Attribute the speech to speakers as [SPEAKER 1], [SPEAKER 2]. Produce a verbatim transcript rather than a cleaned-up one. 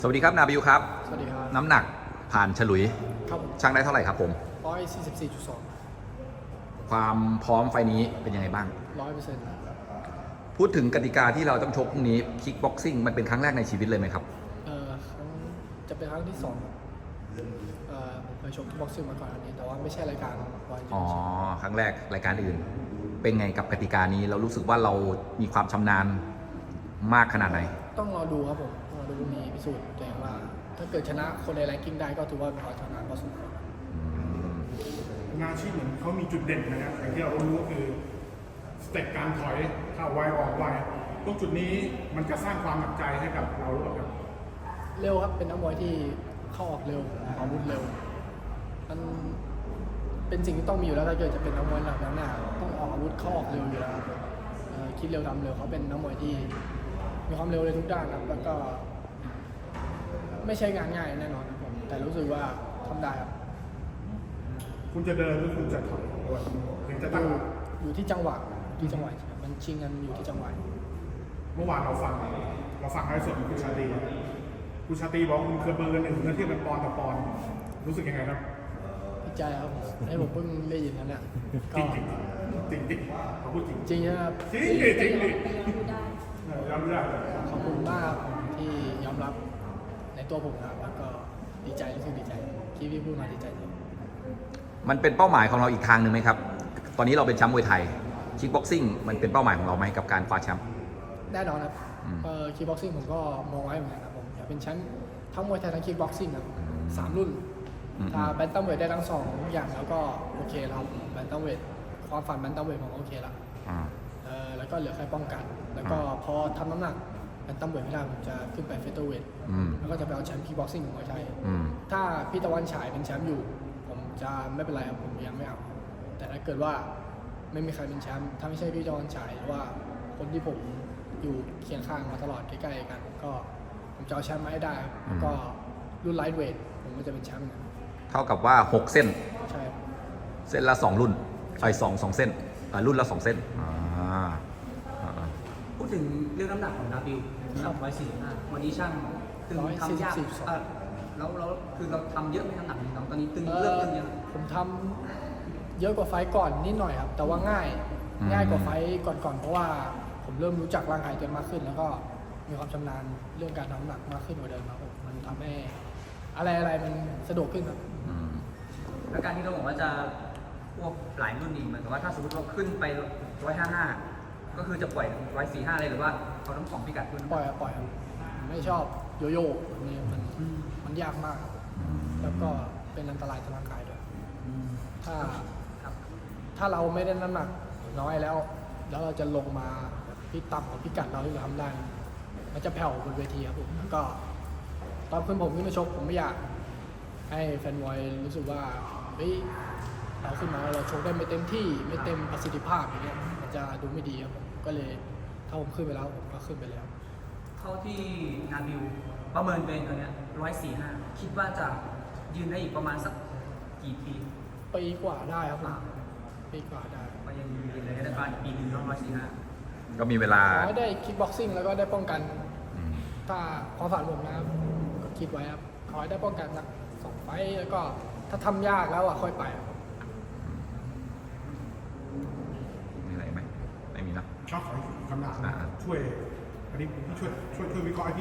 [SPEAKER 1] สวัสดีครับนาบิวครับ
[SPEAKER 2] สวัสดีครับ
[SPEAKER 1] น้ำหนักผ่านฉลุย
[SPEAKER 2] ครับ
[SPEAKER 1] ช่างได้เท่าไหร่ครับผม
[SPEAKER 2] ร้อยสี่สิบสี่จุดสอง
[SPEAKER 1] ความพร้อมไฟนี้เป็นยังไงบ้าง
[SPEAKER 2] ร้อยเปอร์เซ็นต์
[SPEAKER 1] พูดถึงกติกาที่เราต้องชกพรุ่งนี้คิกบ็อกซิ่งมันเป็นครั้งแรกในชีวิตเลยไหมครับ
[SPEAKER 2] เอ่อครั้งจะเป็นครั้งที่สองครับเอ่อผมเคยชกที่บ็อกซิ่งมาก่อนอันนี้แต่ว่าไม่ใช่รายการวัน
[SPEAKER 1] อ๋อครั้งแรกรายการอื่น เป็นไงกับกติกานี้เรารู้สึกว่าเรามีความชำนาญมากขนาดไหน
[SPEAKER 2] ต้องรอดูครับผมรอดูมีพิสูจน์ตัวเองว่าถ้าเกิดชนะคนในแรงกิ้งได้ก็ถือว่าเป็นความชำนาญพอสมควร
[SPEAKER 3] งานอาชีพเหมือนเขามีจุดเด่นนะครับอย่างที่เรารู้ก็คือสเต็ปการถอยเข้าไวออกไวตรงจุดนี้มันจะสร้างความหนักใจให้กับเราหรือเปล่าครับ
[SPEAKER 2] เร็วครับเป็นนักมวยที่เข้าออกเร็วอาวุธเร็วมันเป็นสิ่งที่ต้องมีอยู่แล้วถ้าเกิดจะเป็นนักมวยหนักหน้าต้องออกอาวุธเข้าออกเร็วอยู่แล้วครับคิดเร็วทำเร็วเขาเป็นนักมวยที่มีความเร็วในทุกด้านครับแล้วก็ไม่ใช่งานง่ายแน่นอนครับผมแต่รู้สึกว่าทำได้ครับ
[SPEAKER 3] คุณจะเดินหรือคุณจะถอยด้วยถึงจะตั้ง
[SPEAKER 2] อยู่ที่จังหวะที่จังหวะมันชิงกันอยู่ที่จังหวะ
[SPEAKER 3] เมื่อวานเราฟังเราฟังให้ส่วนของคุณชาตรีคุณชาตรีบอกคุณเคยเบอร์กันหนึ่งเมื่อเทียบเป็นปอนต่อปอนรู้สึกยังไงครับ
[SPEAKER 2] ดีใจครับให้ผมเพิ่งได้ยินนั่นแหละ
[SPEAKER 3] จริงจริงจริงจริงเขาพูดจริง
[SPEAKER 2] จริงครับ
[SPEAKER 3] จริงจริงจริงยอมรับ
[SPEAKER 2] ขอบคุณมากที่ยอมรับในตัวผมครับแล้วก็ดีใจรู้สึกดีใจที่พี่พูดมาดีใจจริง
[SPEAKER 1] มันเป็นเป้าหมายของเราอีกทางหนึ่งไหมครับตอนนี้เราเป็นแชมป์มวยไทยคิกบ็อกซิ่งมันเป็นเป้าหมายของเราไหมกับการคว้าแชมป์
[SPEAKER 2] แน่นอนครับเอ่อคิกบ็อกซิ่งผมก็มองไว้เหมือนกันครับผมอยากเป็นแชมป์ทั้งมวยไทยทั้งคิกบ็อกซิ่งครับสามรุ่นถ้าแบนตัมเวทได้ทั้งสองอย่างแล้วก็โอเคแล้วแบนตัมเวทความฝันแบนตัมเวทผมโอเคแล้วเอ่อแล้วก็เหลือแค่ป้องกันแล้วก็พอทำน้ำหนักแบนตัมเวทไม่ได้ผมจะขึ้นไปเฟเธอร์เวทแล้วก็จะไปเอาแชมป์คิกบ็อกซิ่งของมวยไทยถ้าพี่ตะวันฉายเป็นแชมป์อยู่ผมจะไม่เป็นไรครับผมยังไม่เอาแต่ถ้าเกิดว่าไม่มีใครเป็นแชมป์ถ้าไม่ใช่พี่ตะวันฉายหรือว่าคนที่ผมอยู่เคียงข้างมาตลอดใกล้ๆกันก็ผมจะเอาแชมป์มาให้ได้แล้วก็รุ่นไลท์เวทผมก็จะเป็นแชมป์
[SPEAKER 1] เท่ากับว่าหกเส้น
[SPEAKER 2] ใช่
[SPEAKER 1] เส้นละสองรุ่นไอ้สองสองเส้นรุ่นละสองเส้น
[SPEAKER 4] พูดถึงเรื่องน้ำหนักของนาบิวนะครับร้อยสี่สิบห้าวันนี้ช่างตึงทำยากแล้วเราคือเราทำเยอะไหมน้ำหนักของเราตอนนี้ตึงเริ่มตึงเยอะ
[SPEAKER 2] ผมทำเยอะกว่าไฟก่อนนิดหน่อยครับแต่ว่าง่ายง่ายกว่าไฟก่อนๆเพราะว่าผมเริ่มรู้จักร่างกายตัวเองมากขึ้นแล้วก็มีความชำนาญเรื่องการทำน้ำหนักมากขึ้นกว่าเดิมครับมันทำให้อะไรอะไรมันสะดวกขึ้นครับ
[SPEAKER 4] แล้วการที่เราบอกว่าจะพวกหลายรุ่นอีกเหมือนกับว่าถ้าสมมติเราขึ้นไปร้อยห้าห้าก็คือจะปล่อยร้อยสี่ห้าเลยหรือว่าเขาต้องสองพิกัดขึ้น
[SPEAKER 2] ปล่อยปล่อยครับไม่ชอบโยโย่นี่มันมันยากมากแล้วก็เป็นอันตรายต่อร่างกายด้วยถ้าถ้าเราไม่ได้น้ำหนักน้อยแล้วแล้วเราจะลงมาที่ต่ำกว่าพิกัดเราที่เราทำได้มันจะแผ่วบนเวทีครับผมแล้วก็ตอนขึ้นผมขึ้นมาชกผมไม่อยากให้แฟนมวยรู้สึกว่าเฮ้ยเราขึ้นมาเราชกได้ไม่เต็มที่ไม่เต็มประสิทธิภาพอย่างเงี้ยมันจะดูไม่ดีครับผมก็เลยถ้าผมขึ้นไปแล้วผมก็ขึ้นไปแล้ว
[SPEAKER 4] เท่าที่นาบิวประเมินตัวเองตัวเนี้ยร้อยสี่ห้าคิดว่าจะยืนได้อีกประมาณสักกี่ปี
[SPEAKER 2] ปีกว่าได้ครับปีกว่าได้
[SPEAKER 4] ก็ยังยืนเลยได้ประมาณปีหนึ่งร้อยสี่ห้า
[SPEAKER 1] ก็มีเวลา
[SPEAKER 2] ขอได้คิกบ็อกซิ่งแล้วก็ได้ป้องกันถ้าความฝันผมนะครับก็คิดไว้ครับขอให้ได้ป้องกันสักสองไฟแล้วก็ถ้าทำยากแล้วอ่ะค่อยไป
[SPEAKER 1] มีอะไรไหมไม่มีนะ
[SPEAKER 3] ชอบขอคำถามช่วยอันนี้ช่วยช่วยช่วยวิเคราะห์